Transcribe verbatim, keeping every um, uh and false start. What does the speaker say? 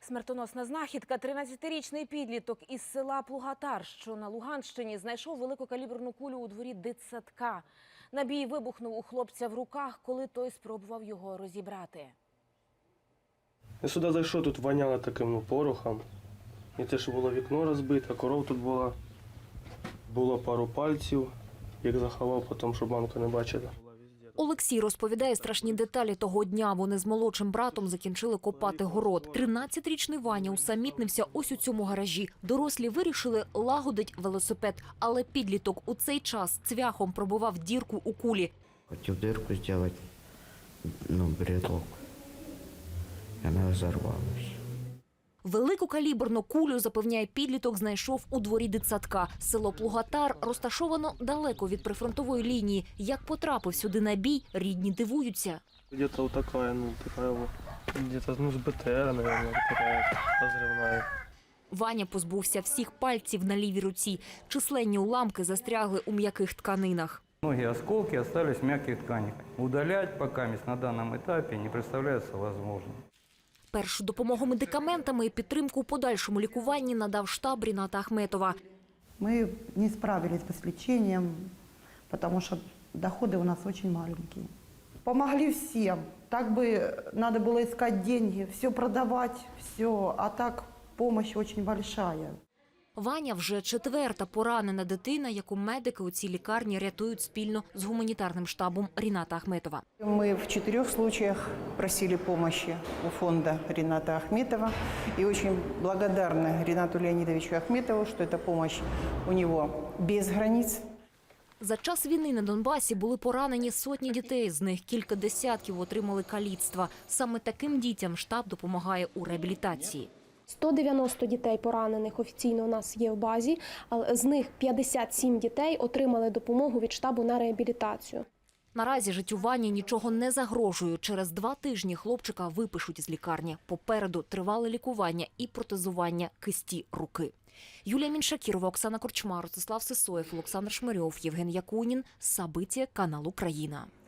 Смертоносна знахідка. тринадцятирічний підліток із села Плугатар, що на Луганщині, знайшов великокаліберну кулю у дворі дитсадка. Набій вибухнув у хлопця в руках, коли той спробував його розібрати. Я сюди зайшов, тут воняло таким ну, порохом. І те, що було вікно розбите, коров тут була. Було пару пальців, їх заховав потім, щоб мамка не бачила. Олексій розповідає страшні деталі того дня. Вони з молодшим братом закінчили копати город. тринадцятирічний Ваня усамітнився ось у цьому гаражі. Дорослі вирішили лагодить велосипед, але підліток у цей час цвяхом пробивав дірку у кулі. Хотів дирку зробити, ну, брелок. І вона розірвалася. Великокаліберну кулю, запевняє підліток, знайшов у дворі дитсадка. Село Плугатар розташовано далеко від прифронтової лінії. Як потрапив сюди набій, рідні дивуються. Где-то вот такая, ну, такая вот, где-то, ну, с БТР, наверное, такая разрывная. Ваня позбувся всіх пальців на лівій руці. Численні уламки застрягли у м'яких тканинах. Многие осколки остались в мягких тканях. Удалять пока на данном этапе не представляется возможным. Першу допомогу медикаментами і підтримку у подальшому лікуванні надав штаб Ріната Ахметова. Мы не справились бы с лечением, потому что доходы у нас очень маленькие. Помогли всем. Так бы надо было искать деньги, все продавать, все. А так помощь очень большая. Ваня вже четверта поранена дитина, яку медики у цій лікарні рятують спільно з гуманітарним штабом Ріната Ахметова. Мы в четырех случаях просили помощи у фонда Рината Ахметова. И очень благодарны Ринату Леонидовичу Ахметову, что эта помощь у него без границ. За час війни на Донбасі були поранені сотні дітей, з них кілька десятків отримали каліцтва. Саме таким дітям штаб допомагає у реабілітації. сто дев'яносто дітей поранених офіційно у нас є в базі, але з них п'ятдесят сім дітей отримали допомогу від штабу на реабілітацію. Наразі життю Вані нічого не загрожує. Через два тижні хлопчика випишуть з лікарні. Попереду тривале лікування і протезування кисті руки. Юлія Міншакірова, Оксана Корчма, Ростислав Сисоєв, Олександр Шмирьов, Євген Якунін. Сабиття, канал Україна.